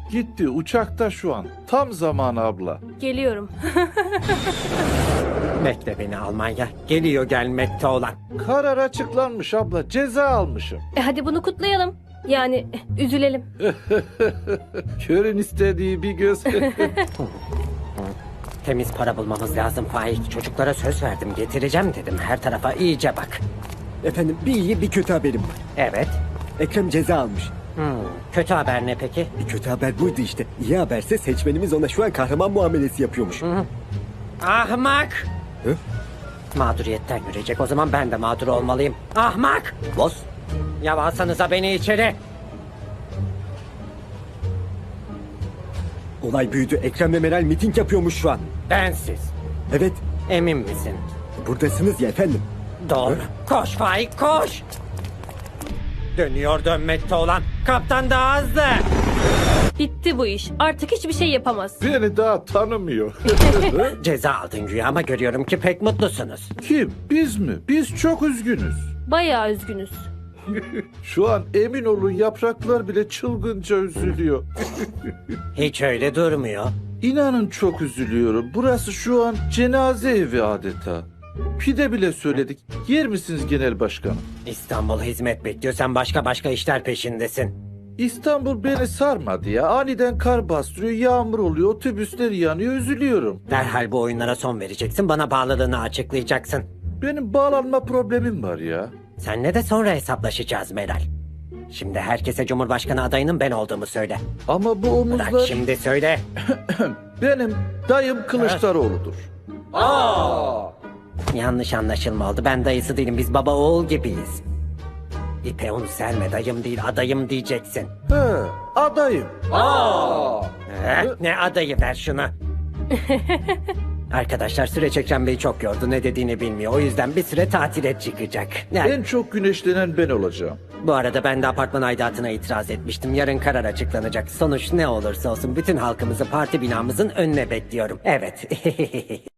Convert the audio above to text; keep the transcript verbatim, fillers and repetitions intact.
Gitti uçakta şu an. Tam zamanı abla. Geliyorum. Bekle beni Almanya. Geliyor gelmekte olan. Karar açıklanmış abla. Ceza almışım. E hadi bunu kutlayalım. Yani eh, üzülelim. Körün istediği bir göz. Temiz para bulmamız lazım Faik. Çocuklara söz verdim, getireceğim dedim. Her tarafa iyice bak. Efendim bir iyi bir kötü haberim var. Evet. Ekrem ceza almış. Hmm, kötü haber ne peki? Bir kötü haber buydu işte. İyi haberse seçmenimiz ona şu an kahraman muamelesi yapıyormuş. Ahmak! Hı? Mağduriyetten görecek. O zaman ben de mağdur olmalıyım. Ahmak! Boss. Ya alsanıza beni içeri. Olay büyüdü. Ekrem ve Meral miting yapıyormuş şu an. Bensiz. Evet. Emin misin? Buradasınız ya efendim. Doğru. Koş Faik koş. Dönüyor dönmekte olan. Kaptan daha hızlı. Bitti bu iş. Artık hiçbir şey yapamaz. Beni daha tanımıyor. Ceza aldın güya ama görüyorum ki pek mutlusunuz. Kim? Biz mi? Biz çok üzgünüz. Bayağı üzgünüz. Şu an emin olun yapraklar bile çılgınca üzülüyor. Hiç öyle durmuyor. İnanın çok üzülüyorum. Burası şu an cenaze evi adeta. Pide bile söyledik. Yer misiniz genel başkanım? İstanbul hizmet bekliyor. Sen başka başka işler peşindesin. İstanbul beni sarmadı ya. Aniden kar bastırıyor, yağmur oluyor, otobüsler yanıyor, üzülüyorum. Derhal bu oyunlara son vereceksin. Bana bağlılığını açıklayacaksın. Benim bağlanma problemim var ya. Seninle de sonra hesaplaşacağız Meral. Şimdi herkese Cumhurbaşkanı adayının ben olduğumu söyle. Ama bu Bırak omuzlar şimdi söyle. benim dayım Kılıçdaroğlu'dur. Yanlış anlaşılma oldu. Ben dayısı değilim. Biz baba oğul gibiyiz. İpe un serme dayım değil adayım diyeceksin. He, adayım. Eh, ne adayı ver şunu. Arkadaşlar süreç Ekrem Bey çok yordu. Ne dediğini bilmiyor. O yüzden bir süre tatile çıkacak. Yani, En çok güneşlenen ben olacağım. bu arada ben de apartman aidatına itiraz etmiştim. Yarın karar açıklanacak. Sonuç ne olursa olsun bütün halkımızı parti binamızın önüne bekliyorum. Evet.